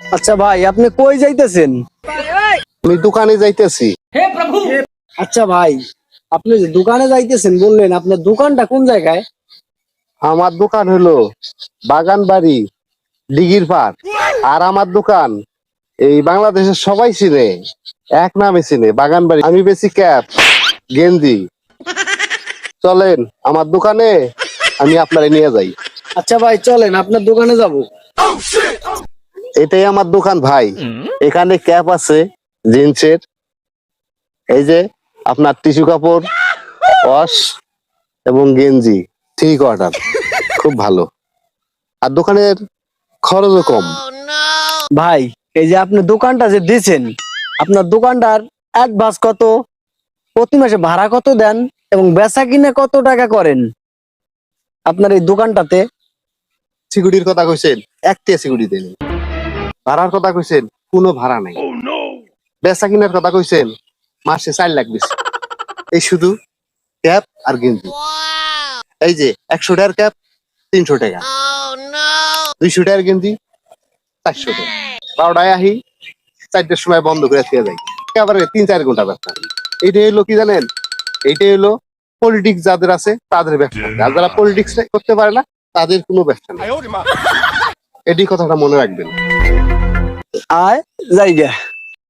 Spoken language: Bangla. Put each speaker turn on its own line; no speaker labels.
আচ্ছা ভাই, আপনি কই যাইতেছেন?
আমি দোকানে যাইতেছি।
আচ্ছা ভাই, আপনি যে দোকানে যাইতেছেন বললেন, আপনার দোকানটা কোন জায়গায়?
আমার দোকান হলো বাগান বাড়ি, দিঘির পাড়। আর আমার দোকান এই বাংলাদেশের সবাই চিনে, এক নামে চিনে, বাগান বাড়ি। আমি বেশি ক্যাপ, গেঞ্জি। চলেন আমার দোকানে, আমি আপনারে নিয়ে যাই।
আচ্ছা ভাই, চলেন আপনার দোকানে যাব।
এটাই আমার দোকান ভাই। এখানে ক্যাপ আছে জিন্সের, এই যে আপনার টিস্যু কাপড়, ওয়াশ এবং গেঞ্জি, থ্রি কোয়ার্টার, খুব ভালো। আর দোকানের খরচও কম।
ভাই, এই যে আপনি দোকানটা যে দিছেন, আপনার দোকানটার অ্যাডভান্স কত, প্রতি মাসে ভাড়া কত দেন, এবং বেচা কিনে কত টাকা করেন আপনার এই দোকানটাতে?
সিকিউরিটির কথা কইছেন, একটা সিকিউরিটি দেন। ভাড়ার কথা কইছেন, কোনো ভাড়া নাই। বেচা কিনার কথা কইছেন, মাসে 4 লাখ বেশি। এই শুধু ক্যাপ আর গেঞ্জি। এই যে 100 টাকার ক্যাপ 300 টাকা, 200 টাকার গেঞ্জি 400 টাকা। 12টায় আহি, 4টার সময় বন্ধ করে দিয়ে যাই। একেবারে 3-4 ঘন্টা ব্যবসা। এইটাই হলো কি জানেন, এইটাই হলো পলিটিক্স যাদের আছে তাদের ব্যবসা। আর যারা পলিটিক্স করতে পারে না তাদের কোনো ব্যবসা নেই। এটি কথাটা মনে রাখবেন।
আয় জায়গা